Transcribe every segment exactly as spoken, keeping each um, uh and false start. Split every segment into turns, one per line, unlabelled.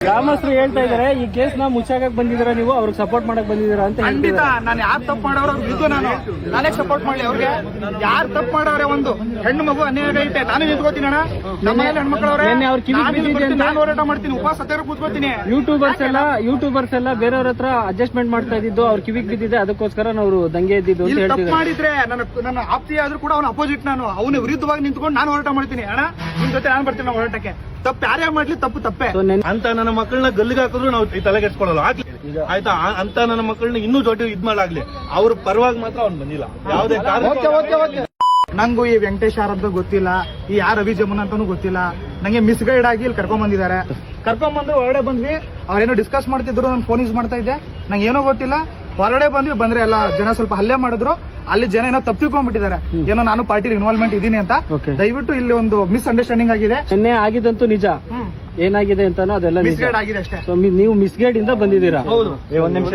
ಗ್ರಾಮಸ್ಥರು ಹೇಳ್ತಾ ಇದಾರೆ ಈ ಕೇಸ್ ನ ಮುಚ್ಚಾಕಕ್ ಬಂದಿದ್ದೀರಾ ನೀವು ಅವ್ರಿಗೆ ಸಪೋರ್ಟ್ ಮಾಡಕ್ ಬಂದಿದ್ದೀರಾ ಅಂತ
ಖಂಡಿತ. ನಾನು ಯಾರು ತಪ್ಪು ಮಾಡೋರು ಇದ್ದು ನಾನು ನಾನೇ ಸಪೋರ್ಟ್ ಮಾಡ್ಲಿ ಅವ್ರಿಗೆ. ಯಾರು ತಪ್ಪು ಮಾಡೋರೆ, ಒಂದು ಹೆಣ್ಣು ಮಗು ಅನ್ಯಾಯ ಐತೆ, ನಾನು ನಿಂತ್ಕೋತೀನಿ ಅಣ್ಣ. ನಮ್ಮ ಹೆಣ್ಮಕ್ಳವ್ರೆ ನಾನು ಹೋರಾಟ ಮಾಡ್ತೀನಿ, ಉಪವಾಸ ಸತ್ಯಾಗ್ರಹ ಕೂತ್ಕೋತೀನಿ.
ಯೂಟ್ಯೂಬರ್ಸ್ ಎಲ್ಲ ಯೂಟ್ಯೂಬರ್ಸ್ ಎಲ್ಲ ಬೇರೆಯವ್ರ ಹತ್ರ ಅಡ್ಜಸ್ಟ್ಮೆಂಟ್ ಮಾಡ್ತಾ ಇದ್ದು ಅವ್ರ ಕಿವಿಗ್ ಬಿದ್ದಿದೆ, ಅದಕ್ಕೋಸ್ಕರ ನಾವು ದಂಗೆ ಎದ್ದಿದ್ದು ಅಂತ
ತಪ್ಪು
ಹೇಳ್ತಿದ್ದಾರೆ.
ಮಾಡಿದ್ರೆ ನನ್ನ ನನ್ನ ಆಪ್ತಿ ಆದ್ರೂ ಕೂಡ ಅವನ ಅಪೋಸಿಟ್, ನಾನು ಅವನ ವಿರುದ್ಧವಾಗಿ ನಿಂತ್ಕೊಂಡು ನಾನು ಹೋರಾಟ ಮಾಡ್ತೀನಿ ಅಣ್ಣ. ನಿಮ್ ಜೊತೆ ನಾನು ಬರ್ತೀನಿ ಹೋರಾಟಕ್ಕೆ. ತಪ್ಪು ಯಾರೇ ಮಾಡ್ಲಿ ತಪ್ಪು ತಪ್ಪೇ
ಅಂತ ನನ್ನ ಮಕ್ಕಳನ್ನ ಗಲ್ಲಿಗೆ ಹಾಕಿದ್ರು ನಾವು ತಲೆಗೆಡ್ಸ್ಕೊಳ್ಳಲ್ಲ ಆಯ್ತಾ. ಅಂತ ನನ್ನ ಮಕ್ಕಳನ್ನ ಇನ್ನೂ ಜೊತೆ ಇದ್ ಮಾಡಾಗ್ಲಿ, ಅವ್ರ ಪರವಾಗಿ ಮಾತ್ರ ಅವ್ನು ಬಂದಿಲ್ಲ ಯಾವುದೇ ಕಾರಣ.
ನಂಗೂ ಈ ವೆಂಕಟೇಶ್ ಯಾರಂತ ಗೊತ್ತಿಲ್ಲ, ಈ ಯಾರು ರವಿ ಜಮುನ್ ಅಂತಾನು ಗೊತ್ತಿಲ್ಲ. ನಂಗೆ ಮಿಸ್ ಗೈಡ್ ಆಗಿ ಇಲ್ಲಿ ಕರ್ಕೊಂಡ್ ಬಂದಿದ್ದಾರೆ. ಕರ್ಕೊಂಡ್ ಬಂದು ಹೊರಗಡೆ ಬಂದ್ವಿ, ಅವ್ರೇನೋ ಡಿಸ್ಕಸ್ ಮಾಡ್ತಿದ್ರು, ನಾನು ಫೋನ್ ಯೂಸ್ ಮಾಡ್ತಾ ಇದ್ದೆ, ನಂಗೆ ಏನೋ ಗೊತ್ತಿಲ್ಲ. ಹೊರಗಡೆ ಬಂದ್ವಿ, ಬಂದ್ರೆ ಎಲ್ಲ ಜನ ಸ್ವಲ್ಪ ಹಲ್ಲೆ ಮಾಡಿದ್ರು. ಅಲ್ಲಿ ಜನ ಏನೋ ತಪ್ಪಿಕೊಂಡ್ಬಿಟ್ಟಿದ್ದಾರೆ, ಏನೋ ನಾನು ಪಾರ್ಟಿ ಇನ್ವಾಲ್ವ್ಮೆಂಟ್ ಇದೀನಿ ಅಂತ. ದಯವಿಟ್ಟು ಇಲ್ಲಿ ಒಂದು ಮಿಸ್ ಅಂಡರ್ಸ್ಟ್ಯಾಂಡಿಂಗ್ ಆಗಿದೆ.
ನಿನ್ನೆ ಆಗಿದಂತೂ ನಿಜ, ಏನಾಗಿದೆ ಅಂತಾನೋ ಅದೆಲ್ಲ
ಮಿಸ್ಗೈಡ್ ಆಗಿದೆ ಅಷ್ಟೇ.
ಸೊ ನೀವು ಮಿಸ್ಗೈಡ್ ಇಂದ ಬಂದಿದ್ದೀರಾ?
ಹೌದು.
ಒಂದ್ ನಿಮಿಷ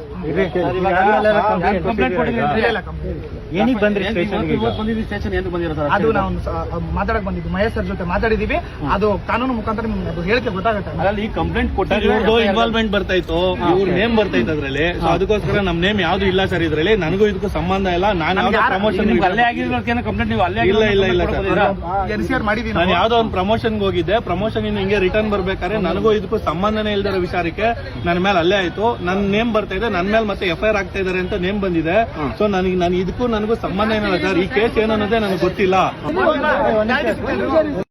ಏನಿಗೆ ಬಂದ್ರಿ
ಅದು ನಾವು ಮಾತಾಡಕ್ ಬಂದಿದ್ವಿ, ಮಹೇಶ್ ಸರ್ ಜೊತೆ ಮಾತಾಡಿದೀವಿ. ಅದು ಕಾನೂನು ಮುಖಾಂತರ ನಿಮ್ಗೆ ಹೇಳಿಕೆ ಗೊತ್ತಾಗುತ್ತೆ.
ಈ ಕಂಪ್ಲೇಂಟ್ ಕೊಟ್ಟಾಗ ಇನ್ವಾಲ್ವ್ಮೆಂಟ್ ಬರ್ತಾ ಇತ್ತು, ಇವ್ರ ನೇಮ್ ಬರ್ತಾ ಇತ್ತು ಅದ್ರಲ್ಲಿ. ಸೊ ಅದಕ್ಕೋಸ್ಕರ ನಮ್ ನೇಮ್ ಯಾವ್ದು ಇಲ್ಲ ಸರ್ ಇದ್ರಲ್ಲಿ. ನನಗೂ ಇದಕ್ಕೂ ಸಂಬಂಧ ಇಲ್ಲ. ನಾನು ಪ್ರಮೋಷನ್
ಅಲ್ಲೇ ಆಗಿರೋದಕ್ಕೆ ಕಂಪ್ಲೇಂಟ್ ನೀವು ಅಲ್ಲೇ
ಇಲ್ಲ ಇಲ್ಲ ಇಲ್ಲ ಸರ್,
ಎನ್ಸಿಆರ್ ಮಾಡಿದೀನಿ.
ನಾನು ಯಾವ್ದೋ ಒಂದು ಪ್ರಮೋಷನ್ಗೆ ಹೋಗಿದ್ದೆ. ಪ್ರಮೋಷನ್ ಇನ್ನು ಹಿಂಗೆ ರಿಟರ್ನ್ ಬರ್ಬೇಕಾದ್ರೆ ನನಗೂ ಇದಕ್ಕೂ ಸಂಬಂಧನೇ ಇಲ್ದಿರೋ ವಿಚಾರಕ್ಕೆ ನನ್ನ ಮೇಲೆ ಅಲ್ಲೇ ಆಯ್ತು. ನನ್ನ ನೇಮ್ ಬರ್ತಾ ಇದೆ, ನನ್ನ ಮೇಲೆ ಮತ್ತೆ ಎಫ್ ಐ ಆರ್ ಆಗ್ತಾ ಇದಾರೆ ಅಂತ ನೇಮ್ ಬಂದಿದೆ. ಸೊ ನನಗೆ ನಾನು ಇದಕ್ಕೂ ನನಗೂ ಸಂಬಂಧ ಏನಿಲ್ಲ ಸರ್. ಈ ಕೇಸ್ ಏನನ್ನೋದೇ ನನಗೆ ಗೊತ್ತಿಲ್ಲ.